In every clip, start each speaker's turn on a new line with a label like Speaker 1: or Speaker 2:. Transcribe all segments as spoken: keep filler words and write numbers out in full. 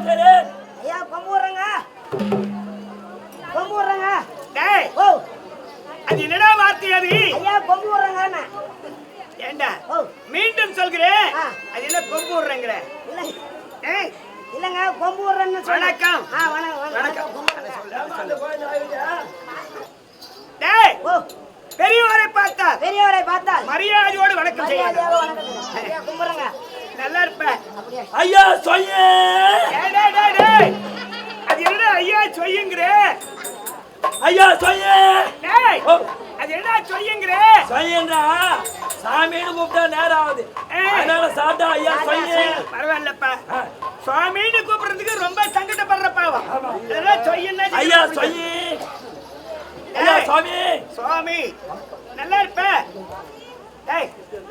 Speaker 1: சரி
Speaker 2: ஐயா கொம்பு விடுறேங்க கொம்பு விடுறேங்க
Speaker 3: டேய்
Speaker 2: ஓ
Speaker 3: அது என்னடா வார்த்தை அது
Speaker 2: ஐயா கொம்பு விடுறேங்க
Speaker 3: ஏண்டா
Speaker 2: ஓ
Speaker 3: மீண்டும் சொல்கிறேன்
Speaker 2: ஆ.
Speaker 3: அது என்ன கொம்பு விடுறேங்கிற
Speaker 2: இல்ல
Speaker 3: ஏய்
Speaker 2: இல்லங்க கொம்பு விடுறேன்னு சொன்னேன்.
Speaker 3: வணக்கம்.
Speaker 2: ஆ வணக்கம்
Speaker 3: வணக்கம்.
Speaker 2: வணக்கம்
Speaker 3: டேய்
Speaker 2: ஓ
Speaker 3: பெரியவரை பார்த்தா
Speaker 2: பெரியவரை பார்த்தால்
Speaker 3: மரியாதையோடு வணக்கம்
Speaker 2: மரியாதையாக
Speaker 3: செய்யணும்
Speaker 2: வணக்கம் ஐயா கும்பிடுறேங்க
Speaker 3: நல்லா இருப்ப
Speaker 2: அப்படியே
Speaker 1: ஐயா சொல்லே
Speaker 3: டேய் டேய் டேய் டேய் அது என்னடா ஐயா சொல்லுங்கற
Speaker 1: ஐயா சொல்லே
Speaker 3: டேய்
Speaker 1: ஓ
Speaker 3: அது என்னடா சொல்லுங்கற
Speaker 1: சொல்லேன்றா சாமின்னு கூப்பிட்டா நேரம் ஆகுது
Speaker 3: ஏய்.
Speaker 1: அதனால சாப்பிட்டா ஐயா சொல்லே
Speaker 3: பரவாயில்லப்பா சுவாமின்னு கூப்பிடுறதுக்கு ரொம்ப சங்கடப்படுற பாவம்
Speaker 1: ஆமா.
Speaker 3: இதெல்லாம் சொல்லுன்னா
Speaker 1: ஐயா சொல்லி ஐயா சுவாமி
Speaker 3: சுவாமி நல்லா இருப்ப டேய்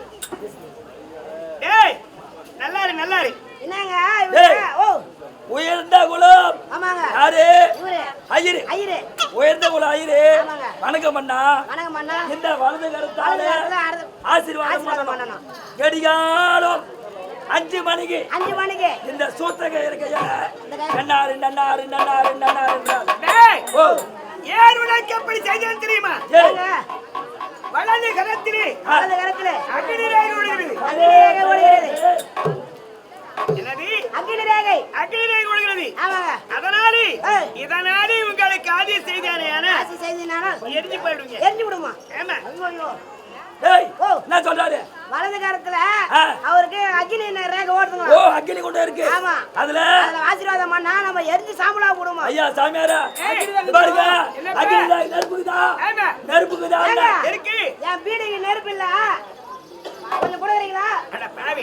Speaker 3: டேய் நல்லா இரு நல்லா இரு
Speaker 2: என்னங்க
Speaker 1: டேய்.
Speaker 2: இவரு ஓ
Speaker 1: உயர்ந்த குலம்
Speaker 2: ஆமாங்க
Speaker 1: யாரு
Speaker 2: இவரு
Speaker 1: ஐயரு
Speaker 2: ஐயரு
Speaker 1: உயர்ந்த குலம் ஐயரு
Speaker 2: ஆமாங்க.
Speaker 1: வணக்கம் அண்ணா
Speaker 2: வணக்கம் அண்ணா
Speaker 1: இந்த வலது கருத்தால
Speaker 2: வலது கருத்தால அறுது-
Speaker 1: ஆசீர்வாதம்
Speaker 2: ஆசீர்வாதம்
Speaker 1: பண்ணணும்
Speaker 2: பண்ணணும்.
Speaker 1: கடிகாலம் அஞ்சு மணிக்கு
Speaker 2: அஞ்சு மணிக்கு
Speaker 1: இந்த சூத்தக இருக்கையா
Speaker 2: இந்த கை-
Speaker 1: நன்னாரு நன்னாரு நன்னாரு நன்னாரு நன்னாரு.
Speaker 3: டேய்
Speaker 1: ஓ
Speaker 3: ஏர் உனக்கு எப்படி செய்யணும் தெரியுமா
Speaker 1: ஏய்
Speaker 2: ஏங்க,
Speaker 3: வலது கரத்திலே
Speaker 2: வலது கரத்திலே
Speaker 3: அக்னி ரேகை ஒழுகிறது
Speaker 2: அக்னி ரேகை ஒழுகிறது
Speaker 3: என்னது
Speaker 2: அக்னி ரேகை
Speaker 3: அக்னி ரேகை ஒழுகிறது
Speaker 2: ஆமாங்க
Speaker 3: அதனாலே
Speaker 2: ஏய்.
Speaker 3: இதனாலே உங்களுக்கு ஆதி செய்தானே
Speaker 2: ஆசி செய்தினாலும்
Speaker 3: எரிஞ்சு போயிடுங்க
Speaker 2: எரிஞ்சு விடுமா
Speaker 3: ஏமா
Speaker 2: ஐயோ ஐயோ
Speaker 1: டேய்
Speaker 2: ஓ.
Speaker 1: என்ன சொல்றாரு
Speaker 2: வலது கரத்துல
Speaker 1: ஆ.
Speaker 2: அவருக்கு அக்னி ரேகை
Speaker 1: ஓ
Speaker 2: ஓடுதுங்க
Speaker 1: அக்கினி கொண்டு இருக்கு
Speaker 2: ஆமா.
Speaker 1: அதுல
Speaker 2: அதுல ஆசீர்வாதம் பண்ணா நம்ம எரிஞ்சு சாம்பலா விடுமா
Speaker 1: ஐயா சாமியாரா
Speaker 3: ஏய்.
Speaker 1: இது பாருங்க
Speaker 3: என்னப்பா?
Speaker 1: அக்கினி தான் நெருப்புக்குதா
Speaker 3: ஆமா
Speaker 1: நெருப்புக்குதா
Speaker 2: ஏங்க,
Speaker 3: இருக்கு
Speaker 2: என் பீடிக்கு நெருப்பு இல்ல கொஞ்சம் கொடுக்குறீங்களா
Speaker 3: அட பாவி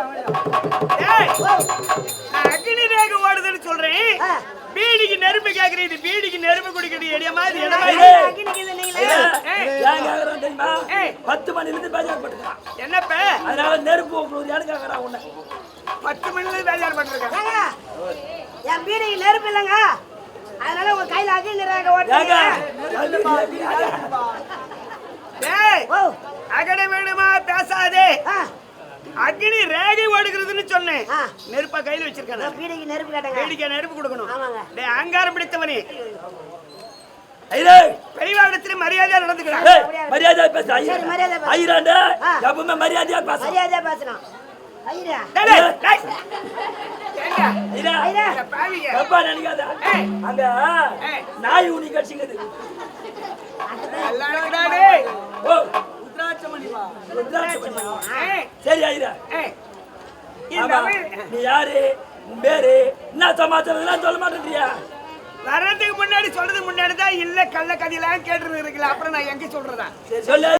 Speaker 3: டேய்
Speaker 2: ஓ
Speaker 3: நான் அக்னி ரேகை ஓடுதுன்னு சொல்றேன்
Speaker 2: ஆ.
Speaker 3: பீடிக்கு நெருப்பு கேக்குறது பீடிக்கு நெருப்பு குடிக்கிறது எடிய மாதிரி என்ன
Speaker 1: ஏய்.
Speaker 3: மாதிரி
Speaker 2: அக்னிக்கு இது நீங்களே
Speaker 1: ஐயா,
Speaker 3: ஏய்.
Speaker 1: ஏன் கேக்குறான் தெரியுமா
Speaker 3: ஏய்.
Speaker 1: பத்து மணில இருந்து பேஜார் பட்டுருக்கான்
Speaker 3: என்னப்ப
Speaker 1: அதனால நெருப்பு உங்களுக்கு யாரு கேக்குறான் உன்னை
Speaker 3: பத்து மணில வேலையார் பண்ணிருக்கேன்
Speaker 2: ஏங்க என் பீடிக்கு நெருப்பு இல்லைங்க அதனால உங்க கையில அக்னி ரேகை
Speaker 1: ஏங்க
Speaker 2: ஓட்டுறீங்க
Speaker 3: டேய்
Speaker 2: ஓ
Speaker 3: அகட வேணுமா பேசாதே
Speaker 2: ஆ
Speaker 3: அக்னி ரேகை ஓடுகிறதுன்னு சொன்னேன்
Speaker 2: ஆ.
Speaker 3: நெருப்பா கையில வச்சிருக்கேன்
Speaker 2: என் பீடிக்கு நெருப்பு கேட்டேங்க
Speaker 3: வேடிக்கை நெருப்பு கொடுக்கணும்
Speaker 2: ஆமாங்க.
Speaker 3: டேய் அங்காரம் பிடித்தவனே
Speaker 1: ஐயே
Speaker 3: பெரியவாடத்துல மரியாதையா நடந்துக்கிறான்
Speaker 1: ஏய், மரியாதையா பேசு
Speaker 2: சரி, மரியாதையா பேசு.
Speaker 1: ஐயராண்ட
Speaker 2: ஆ.
Speaker 1: எப்பவுமே மரியாதையா பேசு
Speaker 2: மரியாதையா பேசணும் ஐயா
Speaker 3: டேய், டேய், டேய். ஏங்க,
Speaker 1: ஐயா
Speaker 2: ஐயா
Speaker 3: இந்த பாவிங்க.
Speaker 1: தப்பா நினைக்காத
Speaker 3: ஏய்.
Speaker 1: அங்க
Speaker 3: ஏய்.
Speaker 1: நாய் ஊனி கட்சிக்குது
Speaker 3: நல்லா இருக்குடா டேய்.
Speaker 1: ஓ
Speaker 3: ருத்ராட்சமணி.
Speaker 1: ருத்ராட்சமணி.
Speaker 3: ஏய்,
Speaker 1: சரி ஐயா
Speaker 3: ஏய். இந்த
Speaker 1: ஆமா.
Speaker 3: வயல்
Speaker 1: நீ யாரு உன் பேரு என்ன சமாச்சாரம் சொல்ல மாட்டேன்றியா
Speaker 3: வர்றதுக்கு முன்னாடி சொல்றது முன்னாடி தான் இல்ல கள்ள கதையெல்லாம் கேட்டு இருக்குல்ல அப்புறம் நான் எங்க சொல்றதா
Speaker 1: சொல்லு